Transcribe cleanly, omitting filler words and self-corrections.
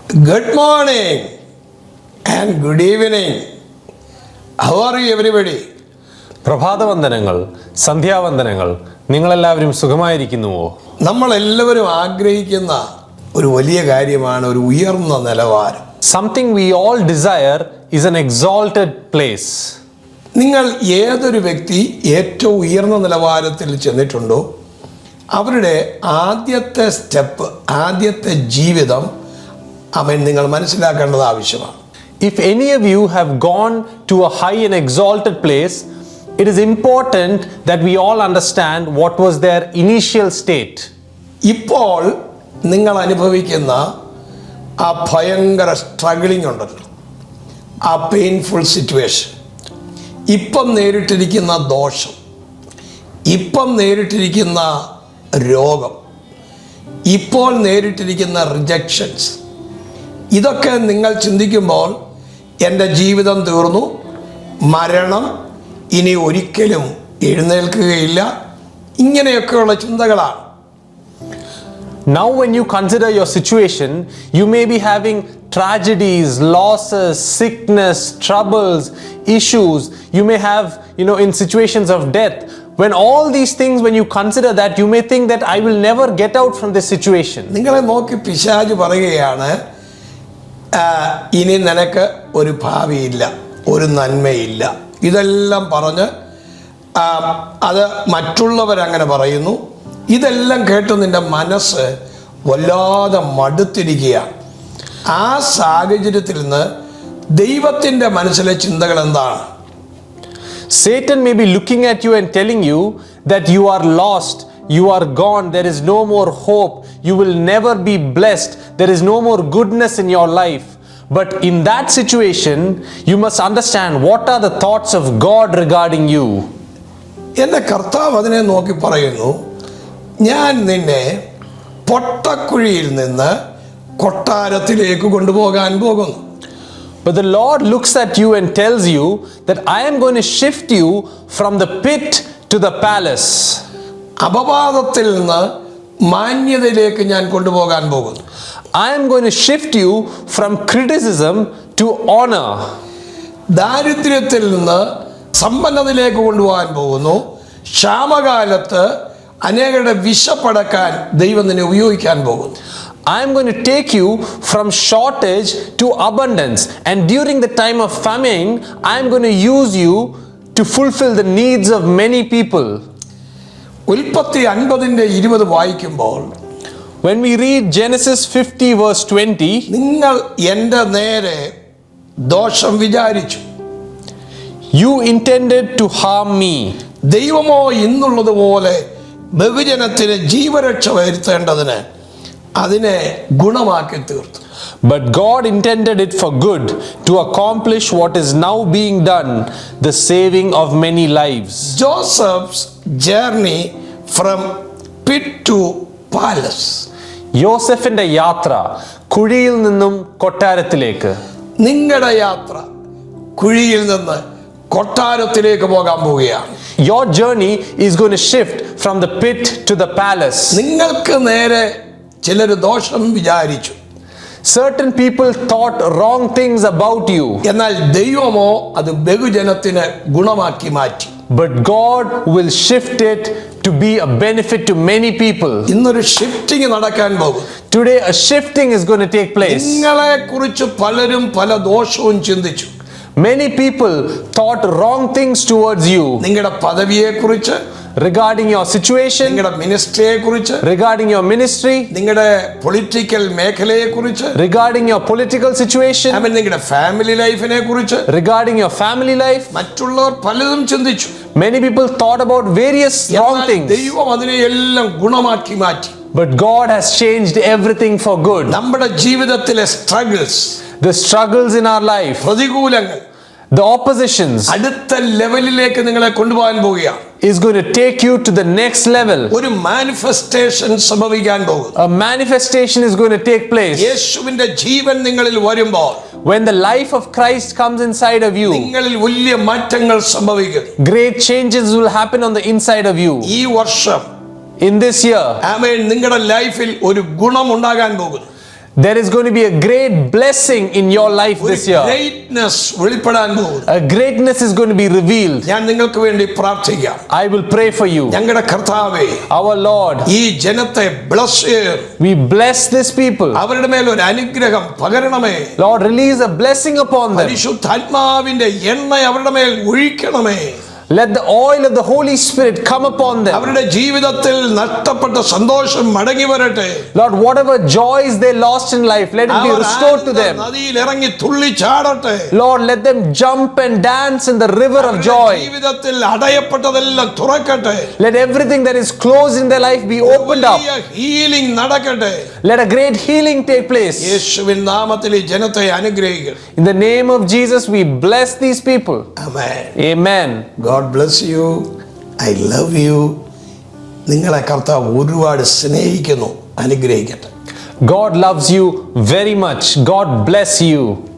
Good morning and good evening. How are you everybody? പ്രഭാതവന്ദനങ്ങൾ, സന്ധ്യാവന്ദനങ്ങൾ. നിങ്ങളെല്ലാവരും സുഖമായിരിക്കുന്നുവോ? നമ്മളെല്ലാവരും ആഗ്രഹിക്കുന്ന ഒരു വലിയ കാര്യമാണ് ഒരു ഉയർന്ന നിലവാരം. Something we all desire is an exalted place. നിങ്ങൾ ഏതൊരു വ്യക്തി ഏറ്റവും ഉയർന്ന നിലവാരത്തിൽ ചെന്നിട്ടുണ്ടോ അവരുടെ ആദ്യത്തെ സ്റ്റെപ്പ്, ആദ്യത്തെ ജീവിതം നിങ്ങൾ മനസ്സിലാക്കേണ്ടത് ആവശ്യമാണ്. If any of you have gone to a high and exalted place, it is important that we all understand what was their initial state. ഇപ്പോൾ നിങ്ങൾ അനുഭവിക്കുന്ന ആ ഭയങ്കര സ്ട്രഗിളിംഗ് ഉണ്ടല്ലോ, ആ പെയിൻഫുൾ സിറ്റുവേഷൻ, ഇപ്പം നേരിട്ടിരിക്കുന്ന ദോഷം, ഇപ്പം നേരിട്ടിരിക്കുന്ന രോഗം, ഇപ്പോൾ നേരിട്ടിരിക്കുന്ന റിജക്ഷൻസ്, ഇതൊക്കെ നിങ്ങൾ ചിന്തിക്കുമ്പോൾ എൻ്റെ ജീവിതം തീർന്നു, മരണം, ഇനി ഒരിക്കലും എഴുന്നേൽക്കുകയില്ല, ഇങ്ങനെയൊക്കെയുള്ള ചിന്തകളാണ്. Now when you consider your situation, you may be having tragedies, losses, sickness, troubles, issues. You may have, in situations of death. When all these things, when you consider that, you may think that I will never get out from this situation. നിങ്ങളെ നോക്കി പിശാച് പറയുകയാണ്, ഇനി നിനക്ക് ഒരു ഭാവിയില്ല, ഒരു നന്മയില്ല. ഇതെല്ലാം പറഞ്ഞ് അത് മറ്റുള്ളവരങ്ങനെ പറയുന്നു. ഇതെല്ലാം കേട്ട് നിൻ്റെ മനസ്സ് വല്ലാതെ മടുത്തിരിക്കുകയാണ്. ആ സാഹചര്യത്തിൽ നിന്ന് ദൈവത്തിൻ്റെ മനസ്സിലെ ചിന്തകൾ എന്താണ്? Satan may be looking at you and telling you that you are lost, you are gone, there is no more hope, you will never be blessed, there is no more goodness in your life. But in that situation, you must understand what are the thoughts of God regarding you. എൻ്റെ കർത്താവ് അതിനെ നോക്കി പറയുന്നു, ഞാൻ നിന്നെ പൊട്ടക്കുഴിയിൽ നിന്ന് കൊട്ടാരത്തിലേക്ക് കൊണ്ടുപോകാൻ പോകുന്നു. But the Lord looks at you and tells you that I am going to shift you from the pit to the palace. അപവാദത്തിൽ നിന്ന് മാന്യതയിലേക്ക് ഞാൻ കൊണ്ടുപോകാൻ പോകുന്നു. I am going to shift you from criticism to honor. ദാരിദ്ര്യത്തിൽ നിന്ന് സമ്പന്നതയിലേക്ക് കൊണ്ടുപോകാൻ പോകുന്നു. ക്ഷാമകാലത്ത് അനേകരുടെ വിശപ്പടക്കാൻ ദൈവം നിന്നെ ഉപയോഗിക്കാൻ പോകുന്നു. I am going to take you from shortage to abundance, and during the time of famine I am going to use you to fulfill the needs of many people. ഉൽപ്പത്തി 50:20 വായിക്കുമ്പോൾ, when we read Genesis 50 verse 20, നിങ്ങൾ എൻ്റെ നേരെ ദോഷം വിചാരിച്ചു, you intended to harm me. ദൈവമോ ഇന്നുള്ളതുപോലെ ബഹുജനത്തിന് ജീവരക്ഷ വരുത്തേണ്ടതിന് അതിനെ ഗുണമാക്കി തീർത്തു. But God intended it for good, to accomplish what is now being done, the saving of many lives. Joseph's journey from pit to palace. യോസെഫിന്റെ യാത്ര കുഴിയിൽ നിന്നും കൊട്ടാരത്തിലേക്ക്. നിങ്ങളുടെ യാത്ര കുഴിയിൽ നിന്ന് കൊട്ടാരത്തിലേക്ക് പോകാൻ പോവുകയാണ്. Your journey is going to shift from the pit to the palace. നിങ്ങൾക്ക് നേരെ ചിലർ ദോഷം വിചാരിച്ചു. Certain people thought wrong things about you. എന്നാൽ ദൈവമോ അത് ബഹുജനത്തിന് ഗുണമാക്കി മാറ്റി. But God will shift it to be a benefit to many people. ഇന്നൊരു ഷിഫ്റ്റിംഗ് നടക്കാൻ പോകും. Today a shifting is going to take place. നിങ്ങളെ കുറിച്ച് പലരും പല ദോഷവും ചിന്തിച്ചു. Many people thought wrong things towards you. നിങ്ങളുടെ പദവിയെ കുറിച്ച്, regarding your situation, നിങ്ങളുടെ മിനിസ്ട്രിയെ കുറിച്ച്, regarding your ministry, നിങ്ങളുടെ പൊളിറ്റിക്കൽ മേഖലയെ കുറിച്ച്, regarding your political situation, നിങ്ങളുടെ ഫാമിലി ലൈഫിനെ കുറിച്ച്, regarding your family life. മറ്റുള്ളവർ പലതും ചിന്തിച്ചു. Many people thought about various wrong things. ദൈവം അതിനെ എല്ലാം ഗുണമാക്കി മാറ്റി. But God has changed everything for good. നമ്മുടെ ജീവിതത്തിലെ struggles, The struggles in our life, പ്രതികൂലങ്ങൾ, the oppositions, അടുത്ത ലെവലിലേക്ക് നിങ്ങളെ കൊണ്ടുപോകാൻ പോവുകയാണ്. is going to take you to the next level. ഒരു മാനിഫെസ്റ്റേഷൻ സംഭവിക്കാൻ പോകുന്നു. A manifestation is going to take place. യേശുവിന്റെ ജീവൻ നിങ്ങളിൽ വരുമ്പോൾ, when the life of Christ comes inside of you, നിങ്ങളിൽ വലിയ മാറ്റങ്ങൾ സംഭവിക്കും. great changes will happen on the inside of you. ഈ വർഷം In this year, ആമേൻ, നിങ്ങളുടെ ലൈഫിൽ ഒരു ഗുണം ഉണ്ടാകാൻ പോകുന്നു. There is going to be a great blessing in your life ഒരു this year. greatness വെളിപ്പെടാൻ പോകുന്നു. A greatness is going to be revealed. ഞാൻ നിങ്ങൾക്ക് വേണ്ടി പ്രാർത്ഥിക്കാം. I will pray for you. ഞങ്ങളുടെ കർത്താവേ, Our Lord, ഈ ജനത്തെ bless ചെയ്യ്. we bless this people. അവരുടെ മേൽ ഒരു അനുഗ്രഹം പകരണമേ. Lord, release a blessing upon them. പരിശുദ്ധാത്മാവിന്റെ എണ്ണ അവരുടെ മേൽ ഒഴിക്കണമേ. Let the oil of the Holy Spirit come upon them. അവരുടെ ജീവിതത്തിൽ നഷ്ടപ്പെട്ട സന്തോഷം മടങ്ങി വരട്ടെ. Lord, whatever joys they lost in life, let it be restored to them. നദിയിൽ ഇറങ്ങി തുള്ളി ചാടട്ടെ. Lord, let them jump and dance in the river of joy. ജീവിതത്തിൽ അടയപ്പെട്ടതെല്ലാം തുറക്കട്ടെ. Let everything that is closed in their life be opened up. Healing നടക്കട്ടെ. Let a great healing take place. യേശുവിൻ നാമത്തിൽ ഈ ജനത്തെ അനുഗ്രഹിക്കട്ടെ. In the name of Jesus, we bless these people. Amen. Amen. God bless you. I love you. നിങ്ങളെ കർത്താവ് ഒരുപാട് സ്നേഹിക്കുന്നു. അനുഗ്രഹിക്കട്ടെ. God loves you very much. God bless you.